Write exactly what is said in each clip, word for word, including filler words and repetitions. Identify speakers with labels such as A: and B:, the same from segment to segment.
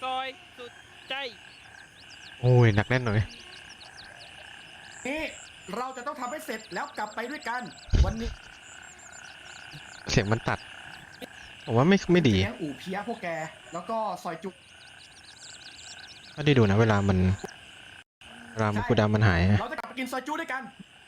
A: ซอยสุดใจ
B: โอ้ยหนักแน่นหน่อย
C: นี่เราจะต้องทำให้เสร็จแล้วกลับไปด้วยกันวันนี้
B: เสียงมันตัดผมว่าไม่ไม่ดี
C: เลี้ยงอู่เพียพวกแกแล้วก็ซอยจุก
B: ถ้าได้ดูนะเวลามันเวลามันคูดามันหาย
C: เราจะกลับไปกินซอยจุด้วยกัน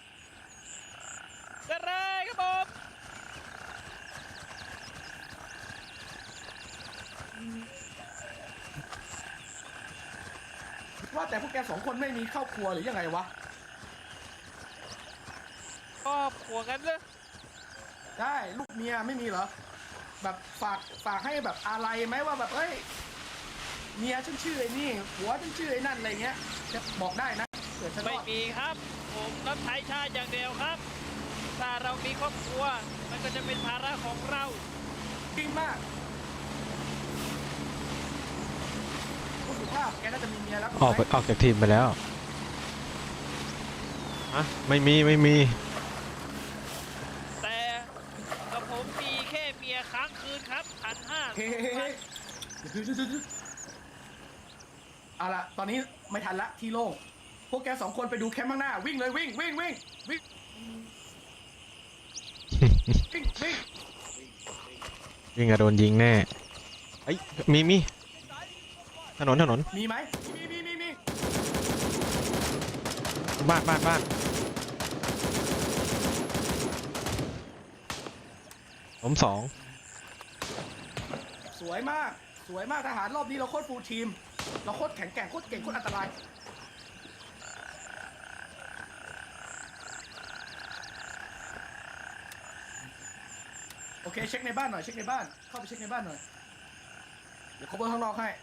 A: ได้เลยครับผม
C: ว่าแต่พวกแกสองคนไม่มีครอบครัวหรือยังไงวะ
A: ครอบครัวกันเลย
C: ได้ลูกเมียไม่มีเหรอแบบฝากฝากให้แบบอะไรไหมว่าแบบเฮ้ยเมียฉันชื่อไอ้นี่หัวฉันชื่อไอ้นั่นอะไรเงี้ยจะบอกได้นะเผื่อฉัน
A: ไม่มีครับผมรับใช้ชาติอย่างเดียวครับถ้าเรามีครอบครัวมันก็จะเป็นภาระของเรา
C: จริงมากผู้สุภาพแกน่าจะมีเมียแล้ว
B: ออกออกจากทีมไปแล้วฮะไม่มีไม่มี
A: แต่กับผมมีแค่เมียค้างคืนครับพันห้า
C: เฮ้เอาละตอนนี้ไม่ทันละที่โล่งพวกแกสองคนไปดูแคมป์ข้างหน้าวิ่งเลยวิ่งวิ่งวิ่งวิ่งวิ่งวิ่ง
B: วิ่งอะโดนยิงแน่เอ้ยมีมีถนนถนน
C: มีไหมมีมีมีมี
B: บ้านบ้านบ้านผมสอง
C: สวยมากสวยมากทหารรอบนี้เราโคตรฟูลทีมเราโคตรแข็งแกร่งโคตรเก่งโคตรอันตรายโอเคเช็คในบ้านหน่อยเช็คในบ้านเข้าไปเช็คในบ้านหน่อยเดี๋ยวเขาเบิร์ข้างนอกให้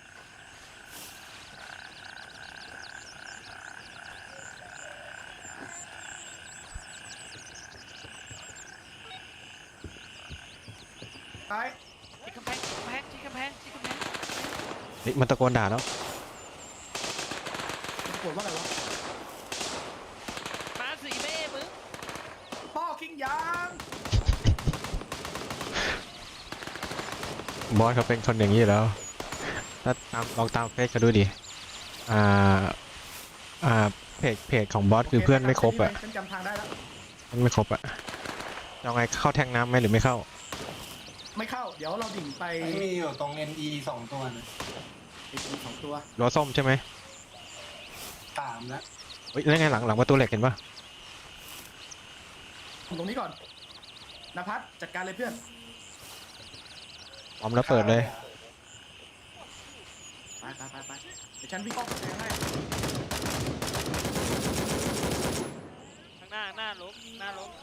C: ไป
A: ที่กำแพงกำแพงที่กำแพงที่กำแพง
B: เฮ้ยมันตะโกนด่าแล้ว
C: ปวดว่าอะไรวะ
A: มาสี่แม่มึง
C: พ่อคิงยาง
B: บอสเขาเป็นคนอย่างนี้แล้วถ้าตามลองตามเฟซเขาดูดิอ่าอ่าเพจเพจของบอสคือเพื่อนไม่ครบอ่ะ
C: ฉันจำทางได้แล้ว
B: มันไม่ครบอ่ะจะไงเข้าแทงน้ำไหมหรือไม่เข้า
C: ไม่เข้าเดี๋ยวเราดิ่งไป
D: มีอยู่ตรง เอ็น อี สองตัวนะ
C: เอ็น อี สองตัว
B: ล้อส้มใช่ไหม
D: สามแล้ว
B: เฮ้ยแล้วไงหลังหลังประตูเหล็กเห็นปะ
C: ตรงนี้ก่อนนภัสจัดการเลยเพื่อน
B: พร้อมแล้วเปิดเลย
C: ไปไปไปไปเดี๋ยวฉันวิ่งอ้อมกำแพงให้
A: ข้างหน้าหน้าล้มหน้าล้ม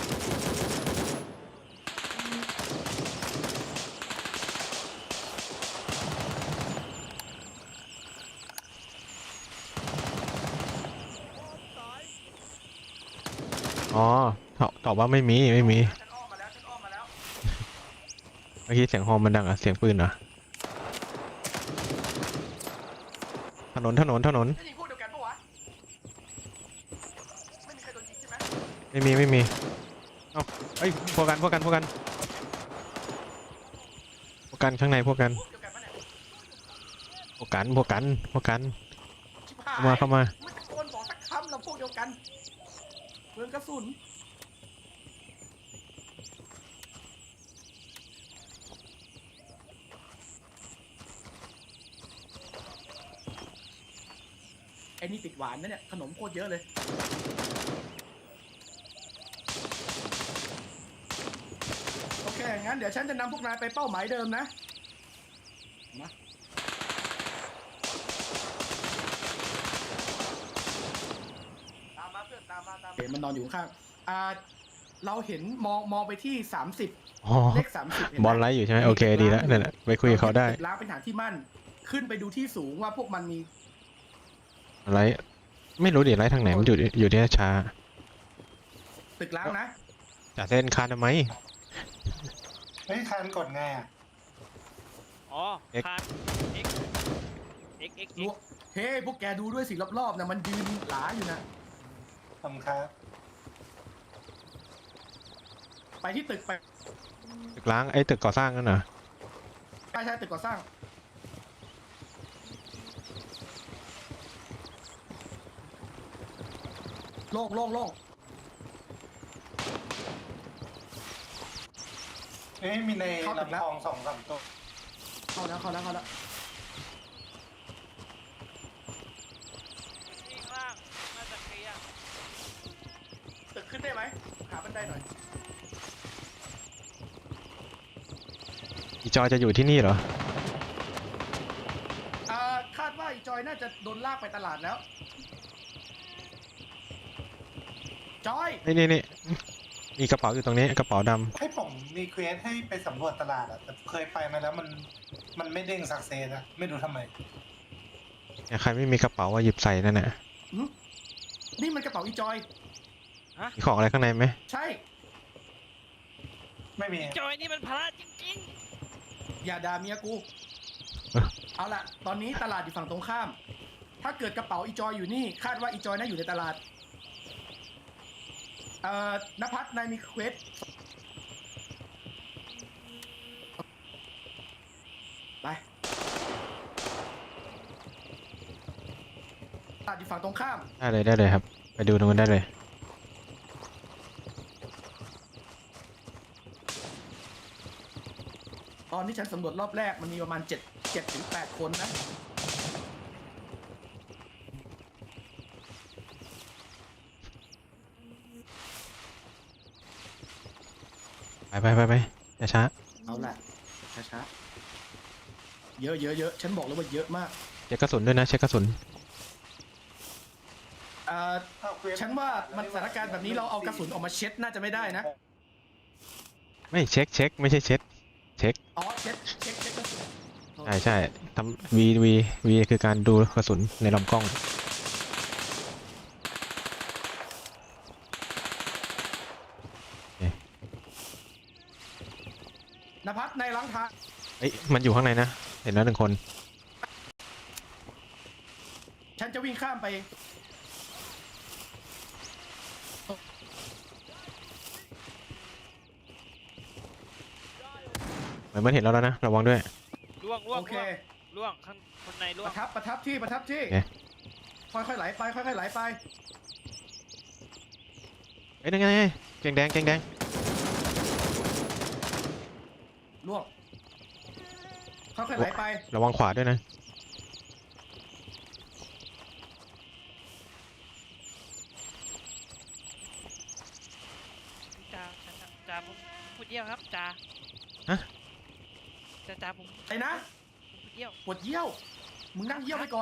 B: อ๋อตอบว่าไม่มีไม่มี
C: ฉันอ้อมมาแล้วฉันอ้อมมาแล้ว
B: เมื่อกี้เสียงฮอร์นมันดังอะเสียงปืนเหรอถนนถนนถนน
C: จะยิงพวกเดียวกันปะวะไม่มีใครโดนยิงใช่ไหม
B: ไม่มีไม่มีเอ้าเอ้ยพวกกันพวกกันพวกกันพวกกันข้างในพวกกันพวกกันพวกกันพวกกันเข้ามาเข้ามา
C: ไม่ตะโกนบอกสักคำเราพวกเดียวกันเปลืองกระสุนไอ้นี่ติดหวานนะเนี่ยขนมโคตรเยอะเลยโอเคงั้นเดี๋ยวฉันจะนำพวกนายไปเป้าหมายเดิมนะมาตามมาเพื่อนตามมาตามเห็นมันนอนอยู่ข้างอ่าเราเห็นมองมองไปที่สามสิบเลขสามสิบบ
B: อลไลท์อยู่ใช่ไหมโอเคดีแล้วนั่นแหละไปคุยกับเขาได้
C: ล้างเป็นฐานที่มั่นขึ้นไปดูที่สูงว่าพวกมันมี
B: อะไรไม่รู้ดิไรทางไหนมันอยู่อยู่ที่ช้า
C: ตึกล้างนะ
B: จ่าเส้นคานทำไม
D: เฮ้ยคานกดไงอ่ะ
A: อ๋อคาน x x x x
C: เฮ้พวกแกดูด้วยสิรอบๆนะมันยืนหลาอยู่นะ
D: ทำครับ
C: ไปที่ตึกไป
B: ตึกล้างไอ้ตึกก่อสร้างนั่นเหรอ
C: ใช่ใช่ตึกก่อสร้างโล่งโล่งโล่ง
D: เอ้ยมีใน
C: เข้าถึงแล้ว
D: ลำคลองสองสามตัว
C: เข้าแล้วเข้าแล้วเข้าแล้ว
A: ที่ข้างล่างน่าจะเคลียร์
C: ตึกขึ้นได้ไหมหาบันไดหน่อย
B: อีจอยจะอยู่ที่นี่เหรอ
C: อ่าคาดว่าอีจอยน่าจะโดนลากไปตลาดแล้ว จอย
B: นี่นี่นี่มีกระเป๋าอยู่ตรงนี้กระเป๋าด
D: ให้ผมมีเควสให้ไปสำรวจตลาดอะแต่เคยไปมาแล้วมันมันไม่เด้งสักเซสอะไม่รู้ทำไม
B: ำเนี่ยใครไม่มีกระเป๋าว่าหยิบใส่นั่นน่ะ
C: หึนี่มันกระเป๋าอีจอย
B: มีของอะไรข้างในไหม
C: ใช่
D: ไม่มี
A: จอยนี่มันพระจริง
C: อย่าด่าเมียกู เอาละตอนนี้ตลาดอยู่ฝั่งตรงข้าม ถ้าเกิดกระเป๋าอีจอยอยู่นี่ คาดว่าอีจอยน่าอยู่ในตลาด เอ่อนภัสนายมีเควสไปตลาดอยู่ฝั่งตรงข้าม
B: ได้เลยได้เลยครับ ไปดูตรงนั้นได้เลย
C: ตอนที่ฉันสำรวจรอบแรกมันมีประมาณเจ็ด เจ็ดถึงแปดคนนะ
B: ไปไปไปไปอย่าช้า
C: เอาละช้าๆเยอะเยอะเยอะฉันบอกเลยว่าเยอะมาก
B: เช็คกระสุนด้วยนะเช็คกระสุน
C: เอ่อ
D: เอาเควส
C: ฉันว่ามันสถานการณ์แบบนี้เราเอากระสุนออกมาเช็ดน่าจะไม่ได้นะ
B: ไม่เช็คเช็คไม่ใช่เช็ดเช็ค
C: อ๋อเช็ดเช็คเช็คกระสุน
B: ใช่ใช่ทำวีวีวีคือการดูกระสุนในลำกล้อง
C: นภัสในล้างเท้า
B: เอ้ยมันอยู่ข้างในนะเห็นแล้วหนึ่งคน
C: ฉันจะวิ่งข้ามไป
B: เหมือนมันเห็นแล้วแล้วนะระวังด้วย
A: ๆล่วงล่วง
C: โอเค
A: ล่วงข้างคนในล่ว
C: ป
A: ง
C: ระทับประทับที่ประทับที่
B: โอเค
C: ค่อยๆไหลไปค่อยๆไหลไป
B: เอ้ยนั่นไงเกงแดงเกงแดง
C: ล่วงค่อยๆไหลไป
B: ระวังขวาด้วยนะ
A: จ่าจ่าจ่าผมพูดเยี่ยวครับจ่า
B: ฮะ
A: จ่าจ่าผม
C: ไอ้นะ
A: ผมพูดเยี่ยว
C: ปวดเยี่ยว มึงนั่งเยี่ยวไปก่อน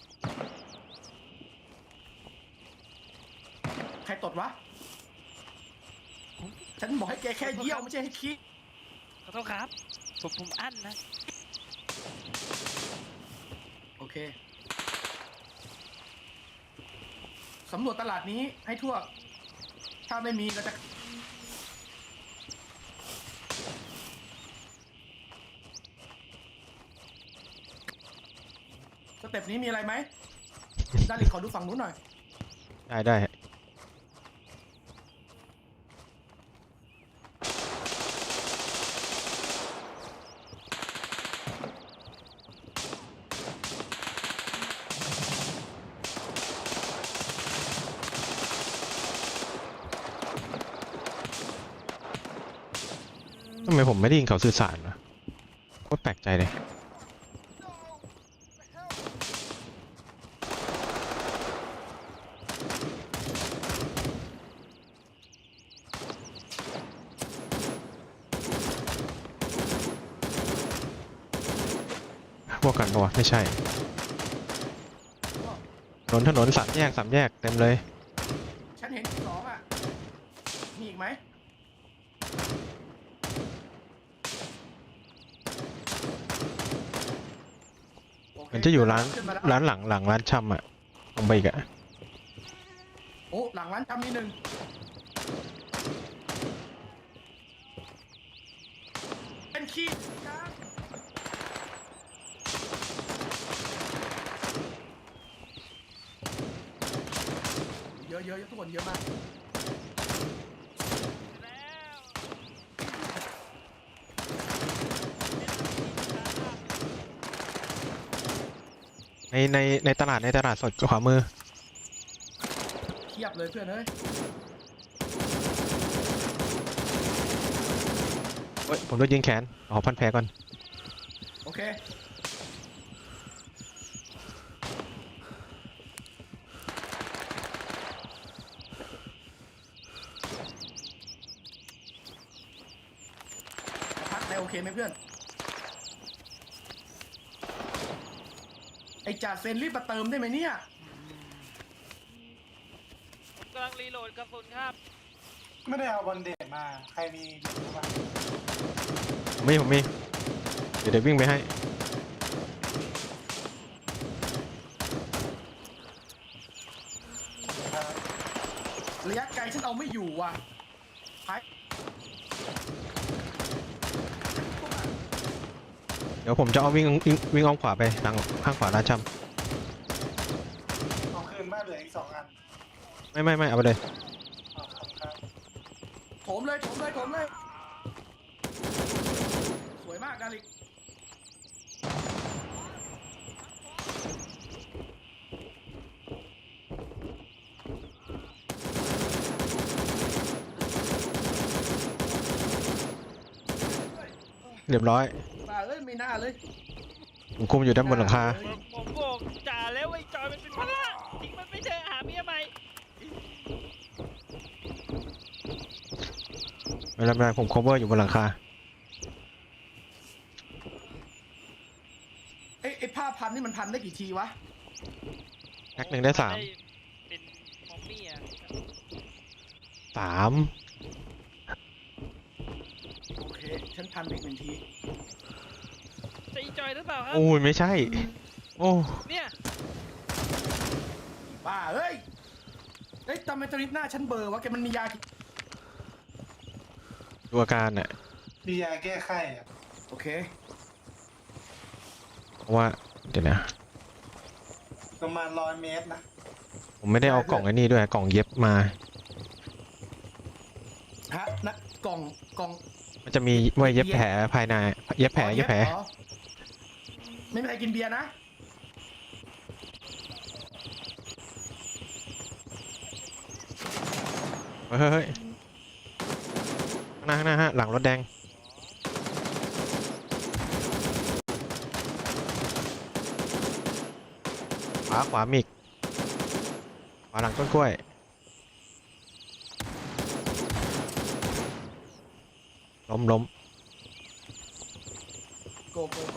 C: ใครตดวะ ฉันบอกให้แกแค่เยี่ยวไม่ใช่ให้ขี้
A: ขอโทษครับผมผมอั้นนะ
C: โอเค สำรวจตลาดนี้ให้ทั่ว ถ้าไม่มีเราจะ สเต็ปนี้มีอะไรไหม ดาริขอดูฝั่งนู้นหน่อย
B: ได้ได้ทำไมผมไม่ได้ยินเขาสื่อสารวะโคตรแปลกใจเลย พวกกันปะวะไม่ใช่ถนนถนนสามแยกสามแยกเต็มเลย
C: ฉันเห็นสองอ่ะ มีอีกไหมโค
B: มันจะอยู่ร้าน
C: ขึ้มแล้ว
B: ร้านหลังหลังร้านชำอะตรงไปอีกอะ
C: โอ้ หลังร้านจำมีหนึ่ง เป็นขี้กลางเยอะเยอะเยอะทุกคนเยอะมาก
A: แล้ว
B: ในในในตลาดในตลาดสดขวามือ
C: เคลีพียบเลยเพื่อนเฮ้ย
B: เฮ้ยผมโดนยิงแขนขอพันแผลก่อน
C: โอเคพักได้โอเคไหมเพื่อนไอจ่าเซนรีบมาเติมได้ไหมเนี่ย
A: ผมกำลังรีโหลดกระสุนครับ
D: ไม่ได้เอาบอลเดทมา ใครมีรู้ป่ะ
B: ผมมีผมมีเดี๋ยวเดี๋ยววิ่งไปให้
C: ระยะไกลฉันเอาไม่อยู่ว่ะหาย
B: เดี๋ยวผมจะเอาวิ่งวิ่งวิ่งอ้อมขวาไปทางข้างขวาร้านช
D: เอาคืนบ้านเหลืออีกสองอัน
B: ำไม่ไม่ไม่เอาไปเลย
D: เอาครับครับ
C: โถมเลยโถมเลยโถมเลย สวยมากดาริก
B: เรียบร้อย
C: บ้าเอ้ยไม่น่าเลย
B: ผมคุมอยู่ด้านบนหลังคา
A: ผมผมบอกจ่าแล้วไอ้จอยมันเป็นพระทิ้งมันไม่เถอะหาเมียใหม่
B: ไม่เป็นไรผม cover อยู่บนหลังคา
C: ไอ้ไอ้ผ้าพันนี่มันพันได้กี่ทีวะ
B: แพ็คหนึ่งได้สาม
A: เป็นมอมมี่อ่ะ
B: สาม
C: โอเค ฉันพันอีกหนึ่งที
A: จะอีจอยหรือเปล่าครับ
B: โอ้ยไม่ใช่ โอ้
A: เนี่ย
C: บ้าเอ้ยเอ้ยทำไมตอนนี้หน้าฉันเบลอร์วะแกมันมียากี่
B: ดูอาการน่ะ
D: มียาแก้ไข้อะ
C: โอเค
B: เพราะว่าเดี๋ยวนะ
D: ประมาณร้อยเมตรนะ
B: ผมไม่ได้เอากล่องไอ้นี่ด้วยกล่องเย็บมา
C: ฮะนะกล่องกล่อง
B: มันจะมีไว้เย็บแผลภายในเย็บแผลเย็บแผล
C: อ๋อไม่มีใครกินเบียร์นะ
B: เฮ้ยเฮ้ยข้างหน้าข้างหน้าฮะหลังรถแดงขวาขวามิกขวาหลังต้นกล้วยล้มล้ม
C: โกโกโก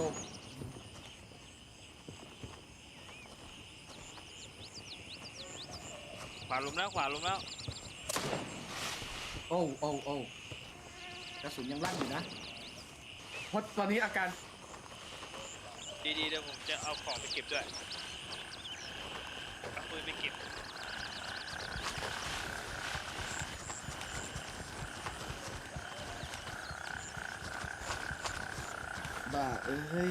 A: ขวาลุมแล้วขวาลุมแล้ว
C: โอ้โอ้โอ้กระสุนยังลั่นอยู่นะเพราะตอนนี้อาการ
A: ดีๆเดี๋ยวผมจะเอาของไปเก็บด้วยเอาปืนไปเก็บ
C: บ้าเอ้ย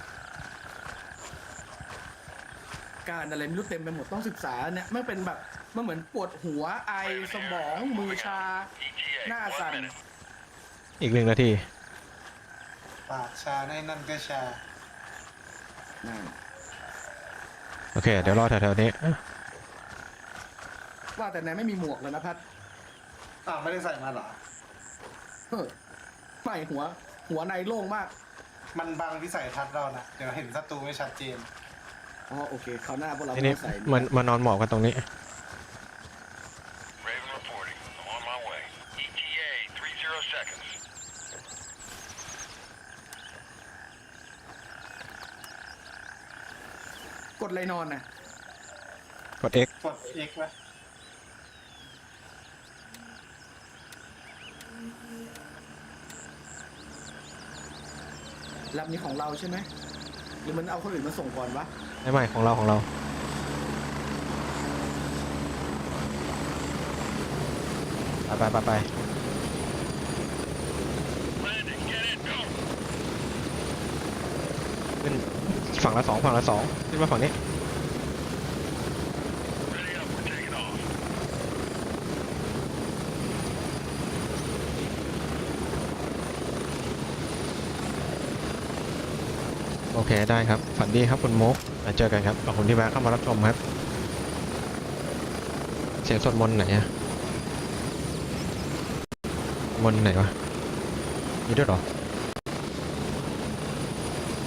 C: การอะไรไม่รู้เต็มไปหมดต้องศึกษาเนี่ยไม่เป็นแบบมันเหมือนปวดหัวไอสมองมือชา หน้าสั่น
B: อีกหนึ่งนาที
D: ปากชาในนั่นก็ชา
C: นั่น
B: โอเค เดี๋ยวรอแถวๆนี้
C: ว่าแต่ไหนไม่มีหมวกเลยนะพัด
D: อ้าวไม่ได้ใส่มาเหรอ
C: เฮ้ยไม่หัว หัวในโล่งมาก
D: มันบังวิสัยทัศน์เรานะเดี๋ยวเห็นศัตรูไม่ชัดเจน
C: อ๋อโอเคคราวหน้าพวกเรา
B: ที
C: ไม่
B: นี้
C: ต้องใส่
B: มันมานอนหมอบกันตรงนี้
E: Raven reporting. I'm on my way. E T A, three zero seconds.
C: กดเลยนอนน่ะ
B: กด X
D: กด X ไหม
C: ลำนี้ของเราใช่ไหมหรือมันเอาคนอื่นมาส่งก่อนวะ
B: ไม่ไม่ของเราของเรา ไปไปไปไป
E: Landing, get in, go!
B: ขึ้นฝั่งละสองฝั่งละสองขึ้นมาฝั่งนี้
E: Ready up, we're taking off.
B: โอเคได้ครับ ฝันดีครับคุณโมกมาเจอกันครับขอบคุณที่แวะเข้ามารับชมครับเสียงสวดมนต์ไหนอะมนต์ไหนวะมีด้วยเหรอ